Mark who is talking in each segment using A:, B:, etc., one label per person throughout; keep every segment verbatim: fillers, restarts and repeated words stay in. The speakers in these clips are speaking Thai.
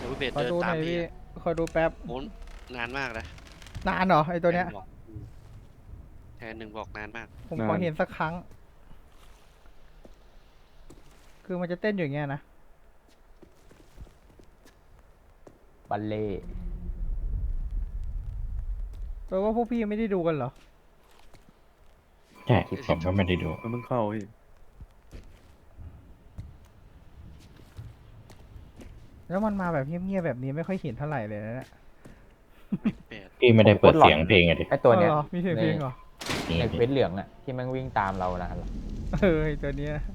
A: ดี๋ยวพี่เบส
B: ขอ
A: เดิน
B: ดูห
A: ตา
B: น่
A: ม
B: อย
A: พี่
B: พี่
A: อะ
B: ขอดูแป๊บ
A: โอ้นานมากนะ
B: นานเหรอไอตัวเนี้ย
A: แทนบอกอืมแทนหนึ่งบอกนานมาก
B: ผม
C: นา
B: ขอน เห็นสักครั้ง คือมันจะเต้นอยู่อย่างเงี้ยนะ
D: บัลเล่
B: แปลว่าพวกพี่ไม่ได้ดูกันเหรอ
E: ใช่ผมก็ไม่ได้ดู
C: มันเพิ่งเข้าพี่
B: แล้วมันมาแบบเงียบๆแบบนี้ไม่ค่อยเห็นเท่าไหร่เลยนะเนี่ย
A: แปด
E: พี่ไม่ได้เปิดเสียงเพลงอะดิ
D: ไอตัวเนี้ย
B: อ๋อหรอมีเสียงเพลงเหรอ
E: นี่
D: ในเฟซเหลืองอะที่มันวิ่งตามเรานะ
B: เออไอ้ตัวเนี้ย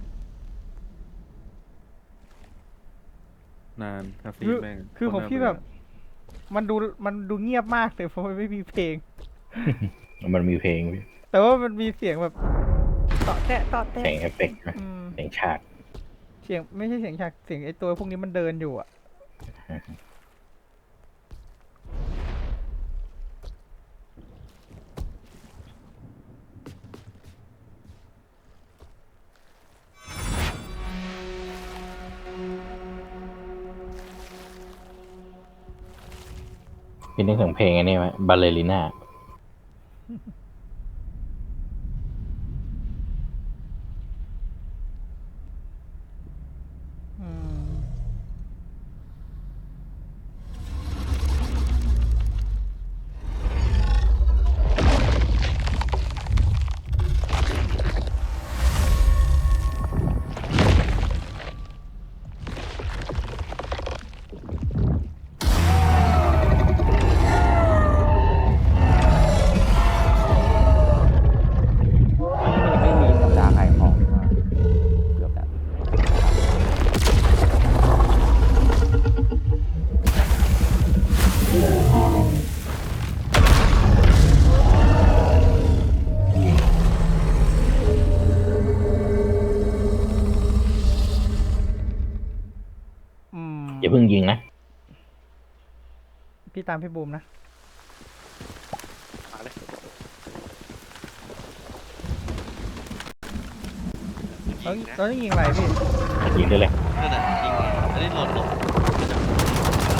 C: นานคาซี
B: คือ
C: แม่ง
B: คือของ
C: โตรน่า
B: พี่
C: เบื่
B: แบบ มันดูมันดูเงียบมากแต่เพราะมันไม่มีเพลง
E: มันมีเพลงพี่
B: แต่ว่ามันมีเสียงแบบต่อแตะต่อแตะ
E: เสียงเอฟเฟกต์นะ
B: อืม
E: เสียงฉาก
B: เสียงไม่ใช่เสียงฉากเสียงไอตัวพวกนี้มันเดินอยู่อ่ะ
E: พี่นึกถึงเพลงอันนี้ไหมบาเลริน่า
B: อืม
D: ไม่มีสัปดาห์ขายของมาเกือบแล้ว
B: อืม
E: อย่าเพิ่งยิงนะ
B: พี่ตามพี่บูมนะ
A: มาเลย
B: เรา
A: ยิงนะ
B: เราต้องยิงอะไรพี่
E: ยิงได้เลย
A: นั่นน่ะยิงอันนี้หล่นหลบ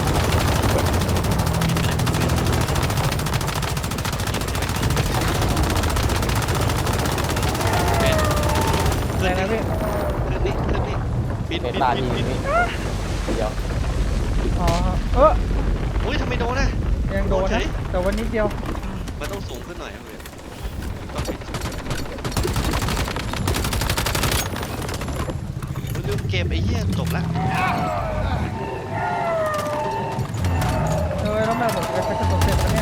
A: เป็น
B: อะไรนะพี่
A: ขึ้นนี่ขึ้นนี่บิน
D: เฟ
A: บิ
D: ซ
A: น
D: ตา
A: บิ
D: ดี
A: นบิน
D: นี่เดียว
B: อ๋อ เออ
A: อุ้ยทำไมโดนนะ
B: ยังโดน
A: โดนเฉ
B: นะ
A: ย
B: แต่วันนี้เดียว
A: มันต้องสูงขึ้นหน่อยครับพี่ต้องบินลืมเกมไอ้เหี้ยจบละ
B: เออแล้วแม่ผมไปไปกระโดดเสร็จแล้วเนี่ย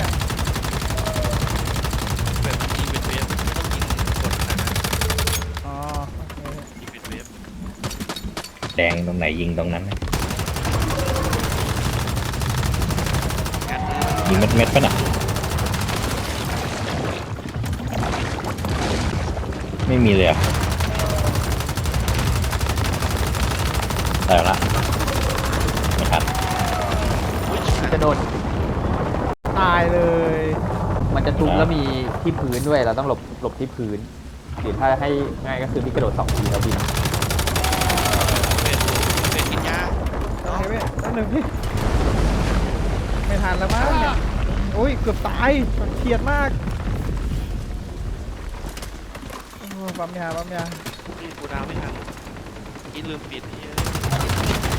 A: แบบยิงเป็นเวฟไม่ต้องยิงกดขนาดนั้น
B: อ๋อโอเค
A: ยิงเป็นเวฟ
E: แดงตรงไหนยิงตรงนั้นนะ
A: งัดเลย
E: ยิงเม็ดเม็ดๆปะน่ะไม่มีเลยอะแต่ละไม่ทัน
A: อุ้ย
D: จะโดน
B: ตายเลย
D: มันจะทุบแล้วมีที่พื้นด้วยเราต้องหลบหลบที่พื้นหรือถ้าให้ง่ายก็คือพี่กระโดดสองทีแล้วบิน
A: เป็นเป็นกินยา
B: โอเคพี่แป๊บหนึงพี่ ไม่ทันแล้วมั้งเนี่ยโอ้ย เกือบตายเครียดมากโอ้ปั๊มยาปั๊มยา
A: นี่กูดาวไม่ทันกินลืมปิดไอ้เหี้ย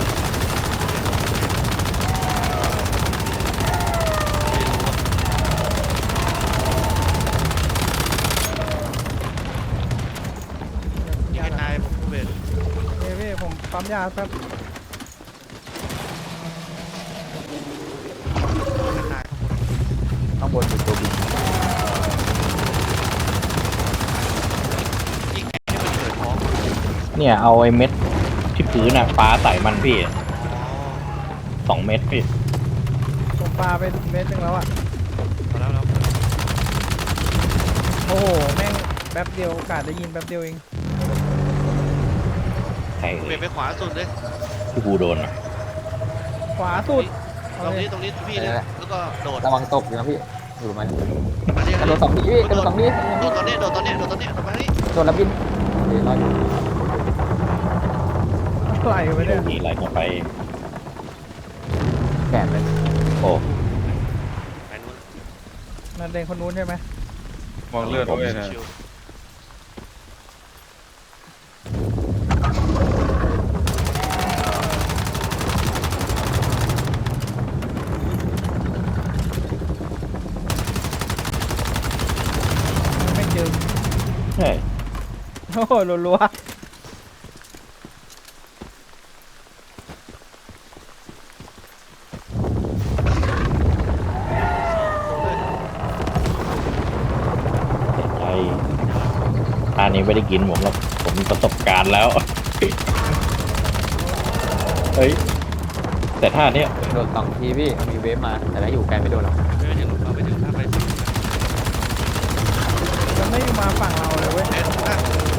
A: ยิงให้ตายผมเวท
B: เฮ้ยพี่ผมปั๊มยาแป๊บ
A: ให้ตาย
D: ข้างบนอยู่ตัวบิน
A: ยิงให้มันเกิดท้อง
E: เนี่ยเอาไอ้เม็ดที่พื้นน่ะฟ้าใส่มันพี่
A: อ๋อ
E: สองเม็ดพี่
B: ผมปาไปเม็ดหนึงแล้วอ่ะ
A: เอาแล้วแล้ว
B: โอ้โห แม่งแป๊บเดียวโอกาสได้ยินแป๊บเดียวเอง
E: ใคร
A: เว
E: เอ่
A: ท
E: ย
A: ไปขวาสุดเลย
E: ที่กูโดนอ่ะ
B: ขวาสุด
A: ต
B: เอา
A: รง
B: เลย
A: นี้ตรงนี้พี่เลยแล้วก็โดด
D: ระวังตกอยู่นะพี่อยู่มัน
A: มาดิ
D: กระโดดสองทีพี่กระโดดสองที
A: โดดตอนนี้โดดตอนนี้โดดตอนนี้โดดมาที่
D: โดนแล้วบินเดี๋ยวรออยู่
B: ไหลไปเนี่ย
E: มีอะไรต่อไป
D: แขนเลย
E: โอ้
A: ไปนู้น
B: นั่นเด็กคนนู้นใช่ไหม
C: มองเลือดด้วยนะ
A: ชิว
B: ไม่เจอ
E: ใช่
B: โอ้โหรัว
E: ใจท่านี้ไม่ได้กินผมหรอกผมมีประสบการณ์แล้ว เฮ้ย แต่ท่าเนี้ย
D: โดนสองทีพี่มันมีเวฟมาแต่ถ้าอยู่ไกลไม่โดนหรอก
A: ๆไม่ถึงเราไปถึงถ้าไปถึง
B: ๆมันไม่มาฝั่งเราเลยเว้ย
A: เอ็นข้าง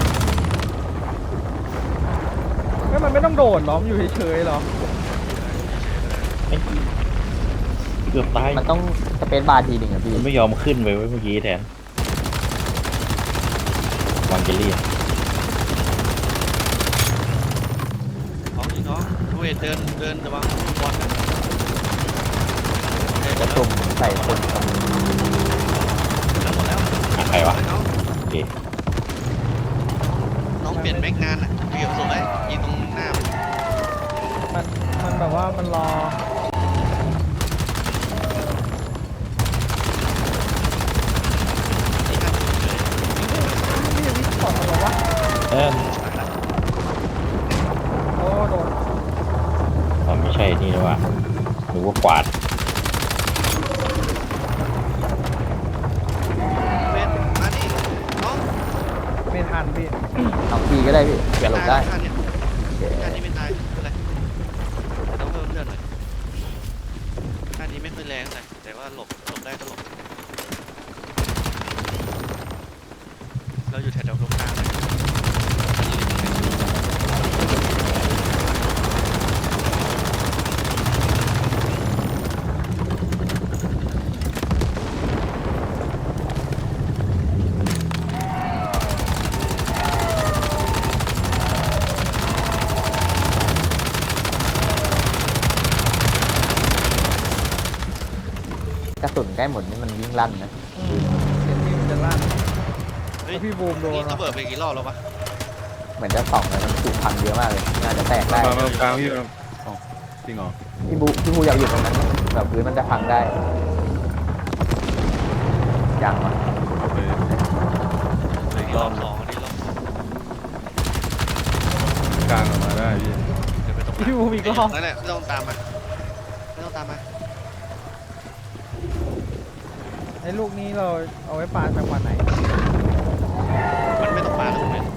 B: ก็มันไม่ต้องโดดหรอมนอยู่เฉยๆหรอ
E: เอ้ยเกือบตาย
D: มันต้องสเปซบาร์ทีหนึ่งอะพี่
E: มันไม่ยอมขึ้นไปไว้เมื่อกี้แทนวางเจลลี่
A: น้องยิงน้องดูเอ็นเดินเดินระวังบอลนะเดินหม
D: จะ
A: ดแล้ว
D: ตุ่มใส่คนตรง
A: เดินหมดแล้ว
E: อ่ะใครวะ
A: น้อง
E: โอเค
A: น้องเปลี่ยนแม็กนานอ่ะเกี่ยวสุดเลยยิงตรงหน้ามัน
B: มันมันแบบว่ามันรอ
A: ที่ข้างเลย
B: ไม่ได้วิสปอร์ตหรอวะ
E: เออ
B: โอ้โดด
E: มันไม่ใช่นี่นะว่าหรือว่ากวาด
A: เบนมาดิน้อง
B: ไม่ทันพี่
D: เอาทีก็ได้พี่เผื่อหลบได้
A: ท่านเนี่ย
D: โอเค
A: ท่านนี้ไม่ตายอะไรแต่ต้องเพิ่มเลือดหน่อยท่านนี้ไม่ค่อยแรงเลยแต่ว่าหลบหลบได้ก็หลบเราอยู่แถวๆตรงกลางเลย
D: กระสุนใกล้หมดนี่มันวิ่งลั่นนะ
B: อืมเสียงที่มันจะลั่น
A: เฮ้ย
B: แล้วพี่บูมโดน
A: นี่
B: เหรอ
A: ระเบิดไปกี่รอบแล้ววะ
D: เหมือนจะส่องแล้วมันถูกพังเยอะมากเลยน่าจะแตกได้
C: มามาตรงกลางพี่อ๋อจริงเหรอ
D: พี่บูพี่บูอยากอยู่ตรงนั้นแบบพื้นมันจะพังได้อย่างวะ
C: ไปไปอีก
A: นี่
C: ร
A: ร
C: อ
A: อ
C: บบ
A: สองอันนี้รอบสอง
C: กลางออกมาได้พี่
A: เดี๋ยวไปตรง
B: พี่บูมอีกรอบ
A: นั่นแหละไม่ต้องตามมาไม่ต้องตามมา
B: ไอ้ลูกนี้เราเอาไว้ปาจังหวะไหน
A: มันไม่ต้องปาแล้วมัน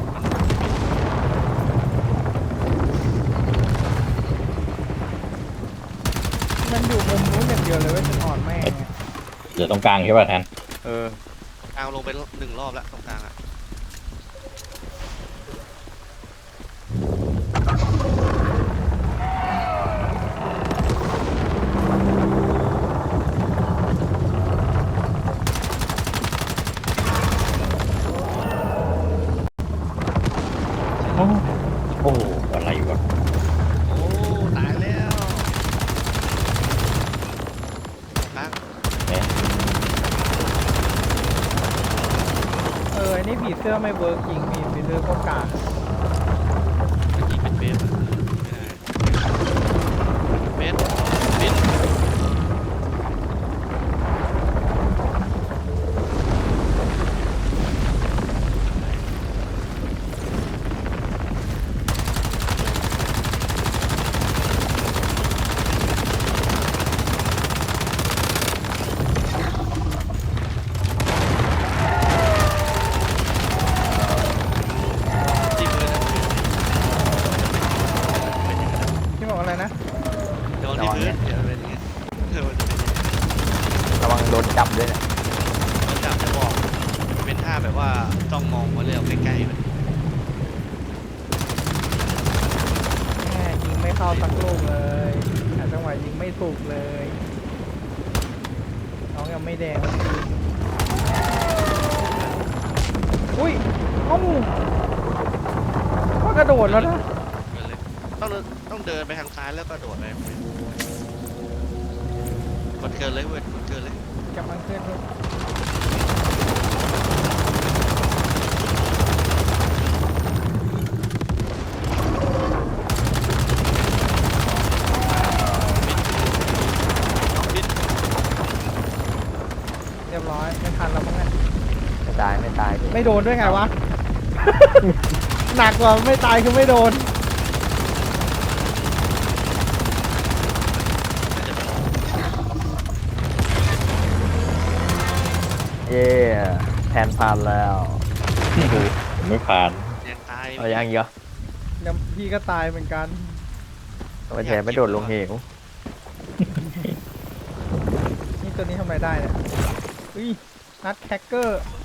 B: มันอยู่มุมนู้นอย่างเดียวเลยเว่าจะอ่อนแม่งไง
E: เหลือตรงกลางใช่ป่ะแทน
C: เออ
A: กลางลงไปหนึ่งรอบแล้วตรงกลางอ่ะ
E: โอ้โอ้อะไรวะ
A: โอ้ตายแล้วกลาง
E: เนี่ย
B: เออไอ้นี่ผีเสื้อไม่เวิร์กจริงมีผีเสื้อก็กาก
A: เมื่อกี้เป็นเบสอะไม่ได้เบสเบส จิ้มเลยนะ
B: ที่บอกอะไรนะ
A: โดนที่พื้นเดี๋ยวเป็นอย่างเงี้ยเออมันจะเป็นอย่างเงี้ย
D: ระวังโดนจับด้วยนะ
A: โดนจับจะบอกเป็นท่าแบบว่าจ้องมองมาเรื่อยใกล้ๆเลย
B: แม่ยิงไม่เข้าสักลูกเลยหาจังหวะยิงไม่ถูกเลยน้องยังไม่แดงสักทีอุ้ยเอ้าก็กระโดดแล้วนะ
A: เดินเลยต้องเดินต้องเดินไปทางซ้ายแล้วก็โดดไปกดเกินเลยเว้ยกดเกินเลย
B: กำลังขึ้นรถเรียบร้อยไม่ทันแล้วมั้งเนี่ย
D: ไม่ตายไม่ตายพี่
B: ไม่โดนด้วยไงวะ หนักกว่าไม่ตายคือไม่โดน
D: เย่แทนผ่านแล้ว
E: ผมไม่ผ่าน
A: ยังตาย
D: เอายังอีกเหรอ
B: เดี๋ยวพี่ก็ตายเหมือนกัน
D: ทำไมแทนไม่โดดลงเหว
B: นี่ตัวนี้ทำอะไรได้เนี่ยอุ้ยนัดแคคเกอร์